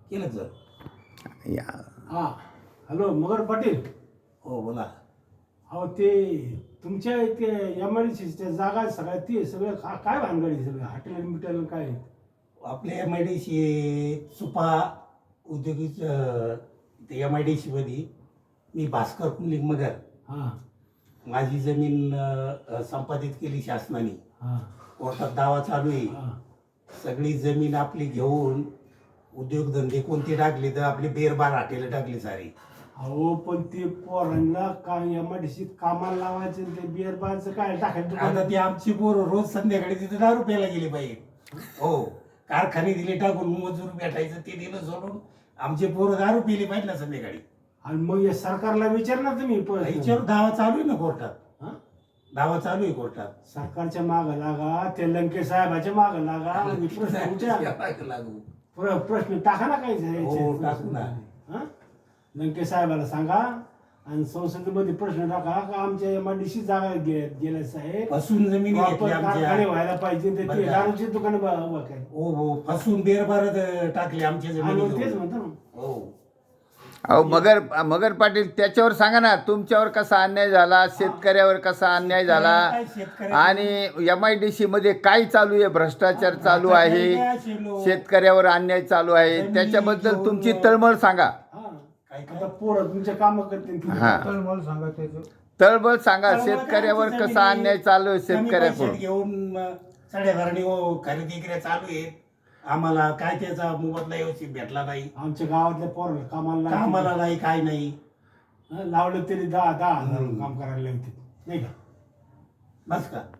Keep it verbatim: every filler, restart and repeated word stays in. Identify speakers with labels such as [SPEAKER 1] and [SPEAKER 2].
[SPEAKER 1] केलं सर.
[SPEAKER 2] या
[SPEAKER 3] हां हॅलो मगर पाटील.
[SPEAKER 1] हो बोला.
[SPEAKER 3] अहो ते तुमच्या ते एम आय डी सीच्या जागा सगळ्या ते सगळं का काय भानगडी सगळं हॉटेल बिटेल काय.
[SPEAKER 1] आपल्या M I D C Supa औद्योगिक ते एम आय डी सीमध्ये मी भास्कर कुंडलिक मगर
[SPEAKER 3] हां
[SPEAKER 1] माझी जमीन अ, संपादित केली शासनाने.
[SPEAKER 3] हां
[SPEAKER 1] कोर्टात दावा चालू आहे.
[SPEAKER 3] हां
[SPEAKER 1] सगळी जमीन आपली घेऊन उद्योगधंदे कोणते टाकले तर आपली बेरबार हॉटेल टाकली सारी.
[SPEAKER 3] अहो पण ते पोरांना काय एम आय डी सीत कामाला लावायचं आणि ते बिअर बारचं काय टाकायचं
[SPEAKER 1] आता ती आमची पोरं रोज संध्याकाळी तिथे दारू प्यायला गेली पाहिजे. हो कारखाने दिले टाकून मजूर भेटायचं ते दिलं सोडून आमचे पोरं दारू पिली पाहिजे ना संध्याकाळी.
[SPEAKER 3] आणि मग या सरकारला विचारणार तुम्ही प-
[SPEAKER 1] याच्यावर दावा चालू आहे ना कोर्टात.
[SPEAKER 3] हां?
[SPEAKER 1] दावा चालू आहे कोर्टात.
[SPEAKER 3] सरकारच्या मागं लागा ते लंके साहेबाच्या मागं लागा आणि प्रश्न विचार
[SPEAKER 1] लागू.
[SPEAKER 3] प्र- प्रश्न टाका ना काही
[SPEAKER 1] हो, टाकू ना.
[SPEAKER 3] हां लंके साहेबाला सांगा आणि संसदेमध्ये प्रश्न टाका का आमच्या एम आय डी सी जागा गे- गेल्या साहेब
[SPEAKER 1] फसून जमिनी
[SPEAKER 3] Proper
[SPEAKER 1] घेतली
[SPEAKER 3] कारखाने
[SPEAKER 1] आमच्या.
[SPEAKER 3] व्हायला पाहिजे ते-
[SPEAKER 1] बरं
[SPEAKER 3] ते
[SPEAKER 1] का?
[SPEAKER 3] दारूची दुकान उभा काय.
[SPEAKER 1] हो हो फसून बेरबारत टाकली आमच्या
[SPEAKER 3] आणि
[SPEAKER 1] जमिनी
[SPEAKER 3] मग तेच
[SPEAKER 1] घेऊन.
[SPEAKER 3] म्हणतो ना.
[SPEAKER 1] हो
[SPEAKER 2] अहो मगर मगर पाटील त्याच्यावर सांगा ना तुमच्यावर कसा अन्याय झाला, शेतकऱ्यावर कसा अन्याय झाला
[SPEAKER 1] काय शेतकऱ्या-
[SPEAKER 2] आणि एम आय डी सी मध्ये काय चालू आहे, भ्रष्टाचार चालू आहे, शेतकऱ्यावर अन्याय चालू आहे, त्याच्याबद्दल तुमची तळमळ सांगा.
[SPEAKER 3] हां
[SPEAKER 1] काय काय?
[SPEAKER 3] आता पोरं तुमच्या कामं करतील.
[SPEAKER 2] हां
[SPEAKER 4] मला सांगा त्याचं
[SPEAKER 2] तळमळ सांगा,
[SPEAKER 1] तळमळ काय
[SPEAKER 2] शेतकऱ्यावर
[SPEAKER 1] आमची
[SPEAKER 2] कसा
[SPEAKER 1] जमिनी-
[SPEAKER 2] अन्याय चालू आहे
[SPEAKER 1] कमी
[SPEAKER 2] शेतकऱ्याकडून.
[SPEAKER 1] पैशात घेऊन साडेबारानी खरेदी विक्री चालू आहे. आम्हाला काय त्याचा मोबदला व्यवस्थित भेटला नाही.
[SPEAKER 3] आमच्या गावातल्या पोरांना कामाला लावतील.
[SPEAKER 1] कामाला नाही काय नाही.
[SPEAKER 3] हं, लावलं तरी दहा दहा हजार
[SPEAKER 1] हम्म.
[SPEAKER 3] काम करायला लावतील नाही का.
[SPEAKER 1] बस का